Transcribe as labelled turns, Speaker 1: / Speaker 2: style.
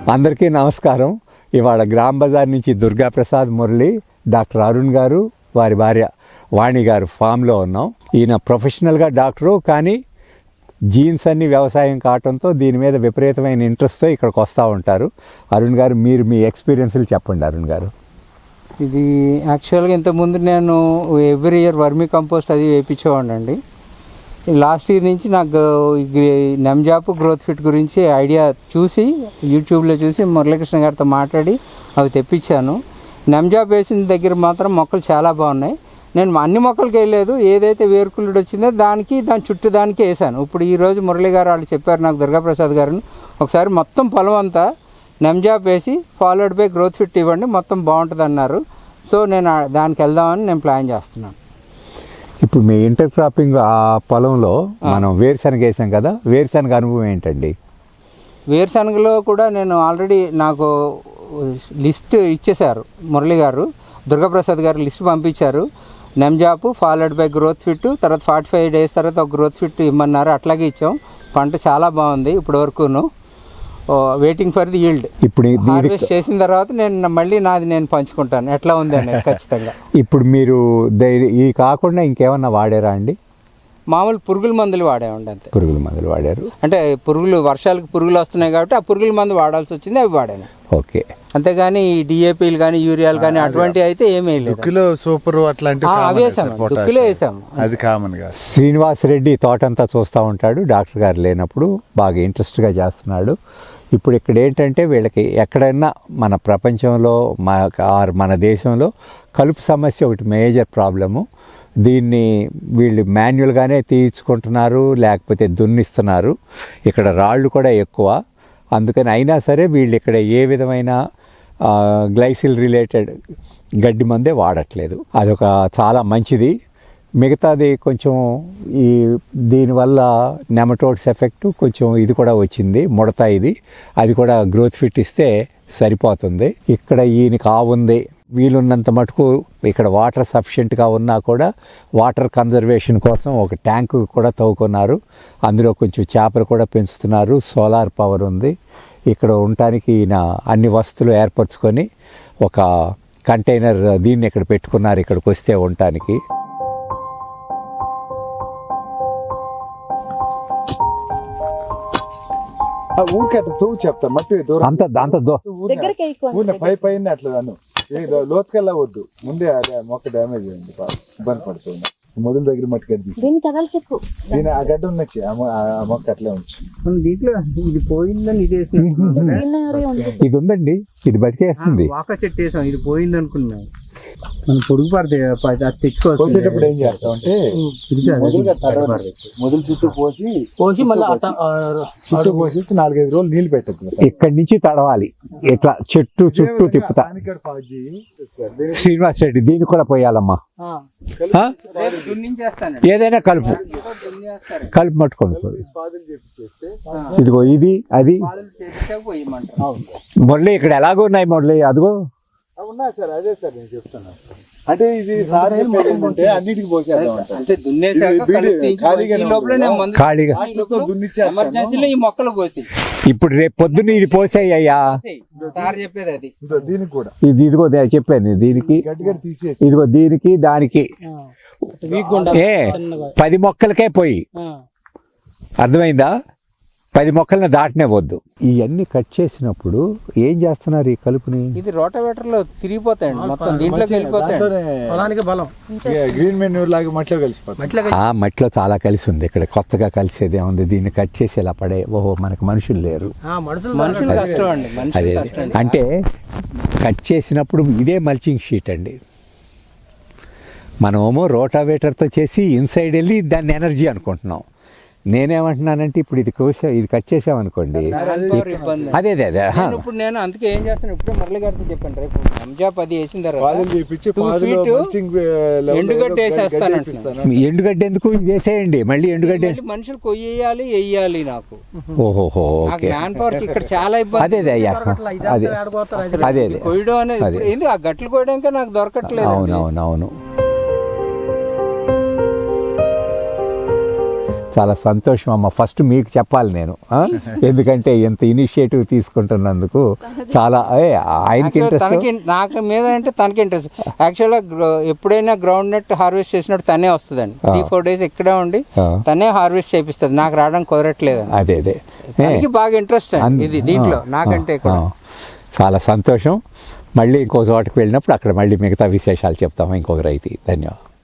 Speaker 1: అందరికీ నమస్కారం. ఇవాళ గ్రామ్ బజార్ నుంచి దుర్గాప్రసాద్ మురళి, డాక్టర్ అరుణ్ గారు, వారి భార్య వాణి గారు ఫామ్లో ఉన్నాం. ఈయన ప్రొఫెషనల్గా డాక్టరు, కానీ జీన్స్ అన్ని వ్యవసాయం కావటంతో దీని మీద విపరీతమైన ఇంట్రెస్ట్తో ఇక్కడికి వస్తూ ఉంటారు. అరుణ్ గారు, మీరు మీ ఎక్స్పీరియన్స్లు చెప్పండి. అరుణ్ గారు,
Speaker 2: ఇది యాక్చువల్గా ఇంతకుముందు నేను ఎవ్రీ ఇయర్ వర్మీ కంపోస్ట్ అది వేయించేవాడిని అండి. లాస్ట్ ఇయర్ నుంచి నాకు నెమ్జాప్ గ్రోత్ ఫిట్ గురించి ఐడియా చూసి యూట్యూబ్లో చూసి మురళీకృష్ణ గారితో మాట్లాడి అవి తెప్పించాను. నెమ్జాప్ వేసిన దగ్గర మాత్రం మొక్కలు చాలా బాగున్నాయి. నేను అన్ని మొక్కలకి వేయలేదు, ఏదైతే వేరుకుళ్ళుడు వచ్చిందో దాని చుట్టూ దానికి వేసాను. ఇప్పుడు ఈరోజు మురళి గారు వాళ్ళు చెప్పారు నాకు, దుర్గాప్రసాద్ గారు, ఒకసారి మొత్తం పొలం అంతా నెమ్జాప్ వేసి ఫాలోడ్ బై గ్రోత్ ఫిట్ ఇవ్వండి, మొత్తం బాగుంటుంది అన్నారు. సో నేను దానికి వెళ్దామని నేను ప్లాన్ చేస్తున్నాను.
Speaker 1: ఇప్పుడు మీ ఇంటర్ క్రాపింగ్ ఆ పొలంలో మనం వేరుశనగ వేసాం కదా, వేరుశనగ అనుభవం ఏంటండి?
Speaker 2: వేరుశనగలో కూడా నేను ఆల్రెడీ నాకు లిస్ట్ ఇచ్చేశారు మురళి గారు, దుర్గాప్రసాద్ గారు లిస్ట్ పంపించారు. నెమ్జాప్ ఫాలోడ్ బై గ్రోత్ ఫిట్, తర్వాత 45 days తర్వాత ఒక గ్రోత్ ఫిట్ ఇమ్మన్నారు. అట్లాగే ఇచ్చాం. పంట చాలా బాగుంది ఇప్పటి వరకును. Waiting for the yield. ఇప్పుడు హార్వెస్ట్ చేసిన తర్వాత నేను మళ్ళీ నాది నేను పంచుకుంటాను ఎట్లా ఉంది అనేది ఖచ్చితంగా.
Speaker 1: ఇప్పుడు మీరు ఈ కాకుండా ఇంకేమన్నా వాడారా అండి?
Speaker 2: మామూలు పురుగుల మందులు వాడామండి, అంతే.
Speaker 1: పురుగుల మందులు వాడారు
Speaker 2: అంటే పురుగులు, వర్షాలకు పురుగులు వస్తున్నాయి కాబట్టి ఆ పురుగుల మందు వాడాల్సి వచ్చింది, అవి వాడాను.
Speaker 1: ఓకే.
Speaker 2: అంతేగాని డిఏపీలు కానీ యూరియాలు కానీ అటువంటివి అయితే ఏమీ లేదు.
Speaker 3: సూపర్ అట్లాంటివి
Speaker 2: వేసాము,
Speaker 3: అది కామన్ గా.
Speaker 1: శ్రీనివాస్ రెడ్డి తోటంతా చూస్తూ ఉంటాడు, డాక్టర్ గారు లేనప్పుడు బాగా ఇంట్రెస్ట్గా చేస్తున్నాడు. ఇప్పుడు ఇక్కడ ఏంటంటే వీళ్ళకి ఎక్కడైనా మన ప్రపంచంలో మన దేశంలో కలుపు సమస్య ఒకటి మేజర్ ప్రాబ్లము. దీన్ని వీళ్ళు మాన్యువల్గానే తీయించుకుంటున్నారు, లేకపోతే దున్నిస్తున్నారు. ఇక్కడ రాళ్ళు కూడా ఎక్కువ, అందుకని అయినా సరే వీళ్ళు ఇక్కడ ఏ విధమైన గ్లైసిల్ రిలేటెడ్ గడ్డి మందే వాడట్లేదు. అదొక చాలా మంచిది. మిగతాది కొంచెం దీనివల్ల నెమటోడ్స్ ఎఫెక్ట్ కొంచెం ఇది కూడా వచ్చింది, ముడత ఇది, అది కూడా గ్రోత్ ఫిట్ ఇస్తే సరిపోతుంది. ఇక్కడ ఈయనకి ఆవుంది, వీలున్నంత మటుకు ఇక్కడ వాటర్ సఫిషియెంట్గా ఉన్నా కూడా వాటర్ కన్జర్వేషన్ కోసం ఒక ట్యాంకు కూడా తవ్వుకున్నారు. అందులో కొంచెం చేపలు కూడా పెంచుతున్నారు. సోలార్ పవర్ ఉంది. ఇక్కడ ఉండటానికి ఈయన అన్ని వస్తువులు ఏర్పరచుకొని ఒక కంటైనర్ దీన్ని ఇక్కడ పెట్టుకున్నారు, ఇక్కడికి వస్తే ఉండటానికి.
Speaker 3: చెప్తా మట్టి పైన అట్లా లోతుకెళ్ళ వద్దు, ముందే అదే మొక్క డ్యామేజ్ అయింది, ఇబ్బంది పడుతుంది. మొదల దగ్గర మట్టి గడ్డి దీని ఆ గడ్డ ఉన్నచ్చి ఆ మొక్క అట్లే ఉంచి
Speaker 2: దీంట్లో ఇది పోయిందని
Speaker 1: ఇది ఉందండి, ఇది బతికేస్తుంది.
Speaker 2: వాక చెట్టు వేసాం, ఇది పోయింది అనుకున్నాం. మనం పొడుగు పడితే
Speaker 3: పోసేటప్పుడు ఏం చేస్తామంటే మొదలు చుట్టూ పోసి మళ్ళీ చుట్టూ పోసేసి 4-5 రోజులు నీళ్ళు పెట్టద్దు.
Speaker 1: ఇక్కడి నుంచి తడవాలి, ఇట్లా చెట్టు చుట్టూ తిప్పుతా. శ్రీనివాస్ రెడ్డి, దీన్ని కూడా పోయాలమ్మా. ఏదైనా కలుపు పట్టుకోండి. ఇదిగో ఇది అది మురళి, ఇక్కడ ఎలాగో ఉన్నాయి మురళి, అదిగో
Speaker 3: ఉన్నాయి సార్. అదే సార్ నేను చెప్తాను. అంటే ఇది సార్ చెప్పేది ఏంటంటే అన్నిటికి పోసేద్దాం,
Speaker 1: ఇప్పుడు రేపు పొద్దున్న ఇది పోసేయ్యా
Speaker 2: సార్ చెప్పేది అది.
Speaker 3: దీనికి కూడా
Speaker 1: ఇది ఇదిగో చెప్పాను, దీనికి
Speaker 3: తీసేసి
Speaker 1: ఇదిగో దీనికి దానికి 10 మొక్కలకే పోయి, అర్థమైందా? 10 మొక్కలను దాటనే వద్దు. ఇవన్నీ కట్ చేసినప్పుడు ఏం చేస్తున్నారు ఈ కలుపుని?
Speaker 2: ఇది రోటావేటర్ లో తిరిగిపోతాయండి, మొత్తం దీంట్లోకి వెళ్ళిపోతాయి. బలం
Speaker 3: గ్రీన్ మెన్యూర్ లాగా మట్టిలో కలిసిపోతుంది.
Speaker 1: ఆ మట్టిలో చాలా కలిసి ఉంది. ఇక్కడ కొత్తగా కలిసేది ఏముంది? దీన్ని కట్ చేసి ఇలా పడే, ఓహో మనకు మనుషులు లేరు,
Speaker 2: మనుషులు కష్టం అండి.
Speaker 1: అదే అంటే కట్ చేసినప్పుడు ఇదే మల్చింగ్ షీట్ అండి. మనమేమో రోటావేటర్తో చేసి ఇన్సైడ్ వెళ్ళి దాన్ని ఎనర్జీ అనుకుంటున్నాం. నేనేమంటున్నానంటే ఇప్పుడు ఇది కట్ చేసామనుకోండి, అదే
Speaker 2: ఇప్పుడు నేను అందుకే ఏం చేస్తాను, ఇప్పుడు మురళి గారితో చెప్పండి, రేపు నెమ్జాప్ అది వేసిన తర్వాత ఎండుగడ్డ వేసేస్తాను.
Speaker 1: ఎండుగడ్డ ఎందుకు? వేసేయండి మళ్ళీ. ఎండుగడ్డ
Speaker 2: మనుషులు కొయ్యాలి, వేయాలి. నాకు
Speaker 1: ఓహోహో
Speaker 2: మ్యాన్ పవర్ ఇక్కడ చాలా ఇబ్బంది.
Speaker 1: అదే
Speaker 2: కొయ్యడం అనేది ఆ గట్లు కొయ్యడానికి నాకు దొరకట్లేదు.
Speaker 1: అవునవునవును. చాలా సంతోషం అమ్మ. ఫస్ట్ మీకు చెప్పాలి నేను, ఎందుకంటే ఎంత ఇనిషియేటివ్ తీసుకుంటున్నందుకు చాలా ఆయనకి
Speaker 2: తనకి
Speaker 1: ఇంట్రెస్ట్.
Speaker 2: నాకు మీద అంటే తనకి ఇంట్రెస్ట్. యాక్చువల్గా ఎప్పుడైనా గ్రౌండ్ నట్ హార్వెస్ట్ చేసినప్పుడు తనే వస్తుందండి. 3-4 days ఇక్కడే ఉండి తనే హార్వెస్ట్ చేపిస్తుంది, నాకు రావడానికి కుదరట్లేదు.
Speaker 1: అదే
Speaker 2: తనకి బాగా ఇంట్రెస్ట్ అండి ఇది దీంట్లో నాకంటే కూడా.
Speaker 1: చాలా సంతోషం. మళ్ళీ ఇంకో చోటకి వెళ్ళినప్పుడు అక్కడ మళ్ళీ మిగతా విశేషాలు చెప్తాము ఇంకొక రైతు. ధన్యవాదాలు.